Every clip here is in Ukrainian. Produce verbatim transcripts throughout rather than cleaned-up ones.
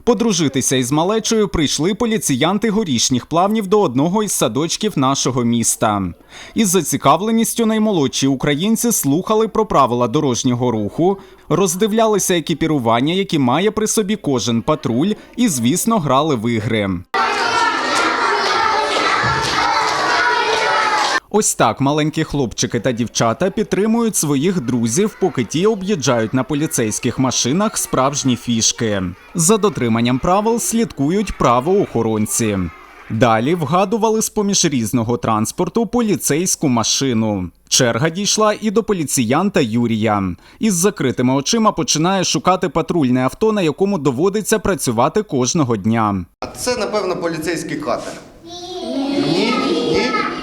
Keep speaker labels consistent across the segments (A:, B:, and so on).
A: Подружитися із малечою прийшли поліціянти Горішніх Плавнів до одного із садочків нашого міста. Із зацікавленістю наймолодші українці слухали про правила дорожнього руху, роздивлялися екіпірування, які має при собі кожен патруль, і, звісно, грали в ігри. Ось так маленькі хлопчики та дівчата підтримують своїх друзів, поки ті об'їжджають на поліцейських машинах справжні фішки. За дотриманням правил слідкують правоохоронці. Далі вгадували з-поміж різного транспорту поліцейську машину. Черга дійшла і до поліціянта Юрія. Із закритими очима починає шукати патрульне авто, на якому доводиться працювати кожного дня.
B: А це, напевно, поліцейський катер. Ні? Ні?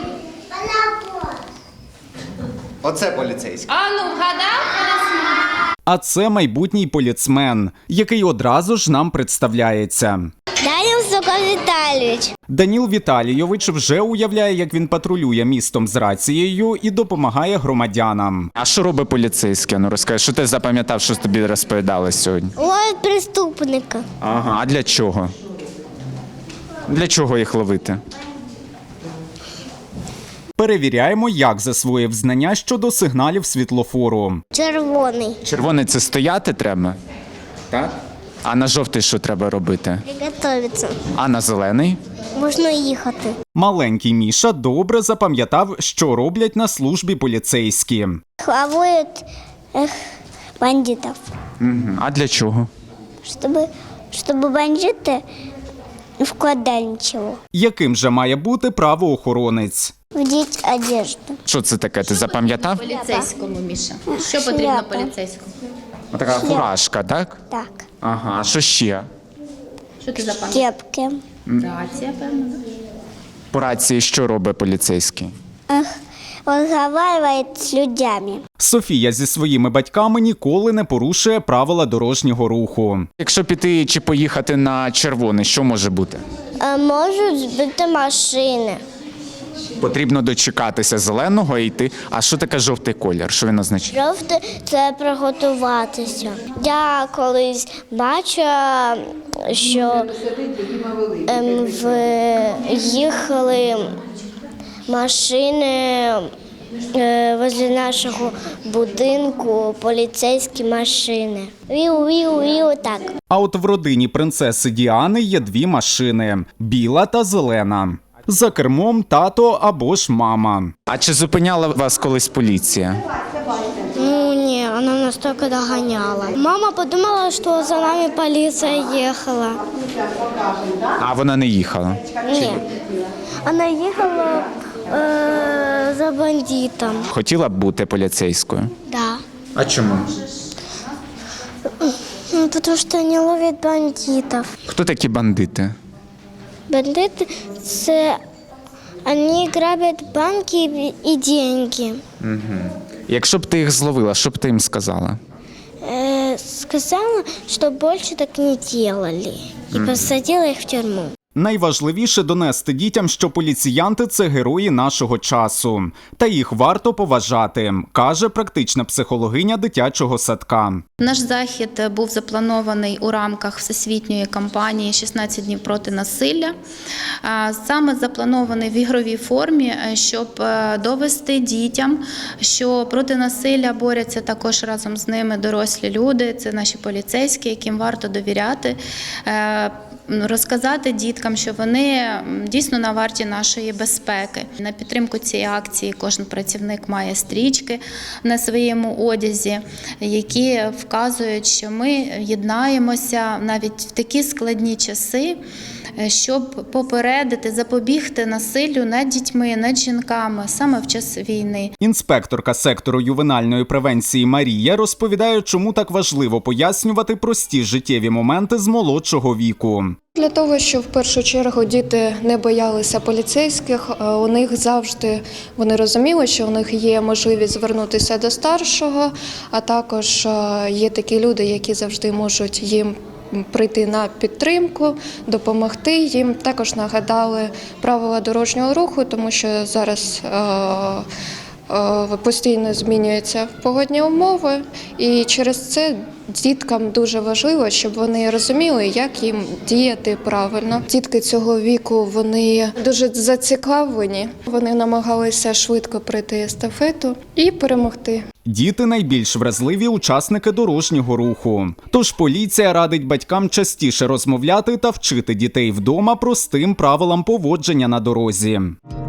B: Оце поліцейський.
C: А ну, вгадав?
A: А це майбутній поліцмен, який одразу ж нам представляється.
D: Даніл Сокол Віталійович.
A: Даніл Віталійович вже уявляє, як він патрулює містом з рацією і допомагає громадянам.
E: А що робить поліцейський? Ну розкажи, що ти запам'ятав, що тобі розповідали сьогодні?
D: Ловить преступника.
E: Ага, а для чого? Для чого їх ловити?
A: Перевіряємо, як засвоїв знання щодо сигналів світлофору.
D: Червоний.
E: Червоний – це стояти треба? Так. А на жовтий що треба робити?
D: Приготовиться.
E: А на зелений?
D: Можна їхати.
A: Маленький Міша добре запам'ятав, що роблять на службі поліцейські.
D: Ловить ех, бандитів.
E: Угу. А для чого?
D: Щоб, щоб бандити не вкладали нічого.
A: Яким же має бути правоохоронець?
D: Вдіть одежду.
E: Що це таке? Ти запам'ятав?
C: Поліцейському, Міша. Що потрібно
D: Шляпа.
C: поліцейському?
E: Така фуражка, так?
D: Так.
E: Ага, а що ще?
C: Що ти запам'ятав?
D: Кепки.
C: Рація, певно, да?
E: По рації що робить поліцейський?
D: Ех, розмовляє з людьми.
A: Софія зі своїми батьками ніколи не порушує правила дорожнього руху.
E: Якщо піти чи поїхати на червоний, що може бути?
D: А можуть збити машини.
E: Потрібно дочекатися зеленого і йти. А що таке жовтий колір? Що він означає?
D: Жовте – це приготуватися. Я колись бачила, що ем, в, їхали машини е, возле нашого будинку, поліцейські машини. Віу-віу-віу, так.
A: А от в родині принцеси Діани є дві машини – біла та зелена. За кермом тато або ж мама.
E: А чи зупиняла вас колись поліція?
D: Ну ні, вона нас тільки доганяла. Мама подумала, що за нами поліція їхала.
E: А вона не їхала?
D: Ні. Вона їхала е, за бандитом.
E: Хотіла б бути поліцейською?
D: Да.
E: А чому?
D: Ну, тому що вони ловлять бандитів.
E: Хто такі бандити?
D: Бандити – це вони грабять банки і деньги.
E: Якщо б ти їх зловила, що б ти їм сказала?
D: Е, сказала, що більше так не робили. І посадила їх в тюрму.
A: Найважливіше донести дітям, що поліціянти – це герої нашого часу. Та їх варто поважати, каже практична психологиня дитячого садка.
C: Наш захід був запланований у рамках всесвітньої кампанії «шістнадцять днів проти насилля». Саме запланований в ігровій формі, щоб довести дітям, що проти насилля борються також разом з ними дорослі люди, це наші поліцейські, яким варто довіряти, розказати діткам, що вони дійсно на варті нашої безпеки. На підтримку цієї акції кожен працівник має стрічки на своєму одязі, які вказують, що ми єднаємося навіть в такі складні часи, щоб попередити, запобігти насиллю над дітьми, над жінками саме в час війни.
A: Інспекторка сектору ювенальної превенції Марія розповідає, чому так важливо пояснювати прості життєві моменти з молодшого віку.
F: Для того, щоб в першу чергу діти не боялися поліцейських, у них завжди вони розуміли, що у них є можливість звернутися до старшого, а також є такі люди, які завжди можуть їм прийти на підтримку, допомогти. Їм також нагадали правила дорожнього руху, тому що зараз постійно змінюються погодні умови, і через це Діткам дуже важливо, щоб вони розуміли, як їм діяти правильно. Дітки цього віку, вони дуже зацікавлені. Вони намагалися швидко пройти естафету і перемогти.
A: Діти – найбільш вразливі учасники дорожнього руху. Тож поліція радить батькам частіше розмовляти та вчити дітей вдома простим правилам поводження на дорозі.